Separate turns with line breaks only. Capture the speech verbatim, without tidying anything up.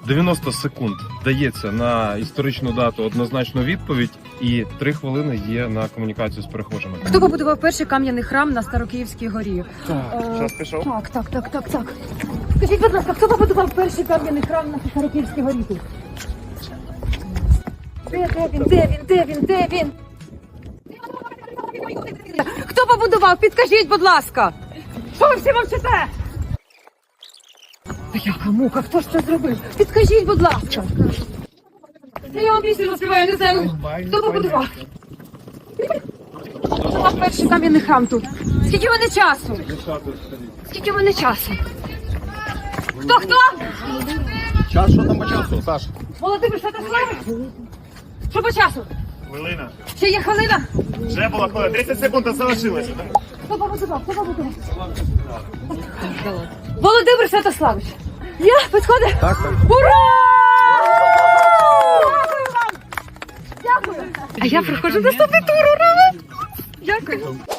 дев'яносто секунд дається на історичну дату однозначну відповідь, і три хвилини є на комунікацію з перехожими.
Хто побудував перший кам'яний храм на Старокиївській горі?
Так,
Е,
час пішов.
Так, так, так, так, так. Скажіть, будь ласка, хто побудував перший кам'яний храм на Старокиївській горі тут? Де, де він, де він, де він, де він? Хто побудував? Підкажіть, будь ласка. Що ви всі мовчите? Яка мука, хто ж це зробив? Підкажіть, будь ласка. Я вам пісню розпіваю, не знаю. Хто побудував? Хто побудував перший кам'яний храм тут? Скільки в мене часу? Скільки в мене часу? Хто, хто?
Час, що там по часу, Саш?
Володимир Святославович? Що по часу?
Хвилина.
Ще є хвилина?
Вже була хвилина. тридцять секунд залишилося.
Хто побудував? Хто побудував? Володимир Святославович. Я? Підходить?
Так, так.
Ура! Дякую вам! Дякую. А я проходжу наступний тур, ура! Дякую.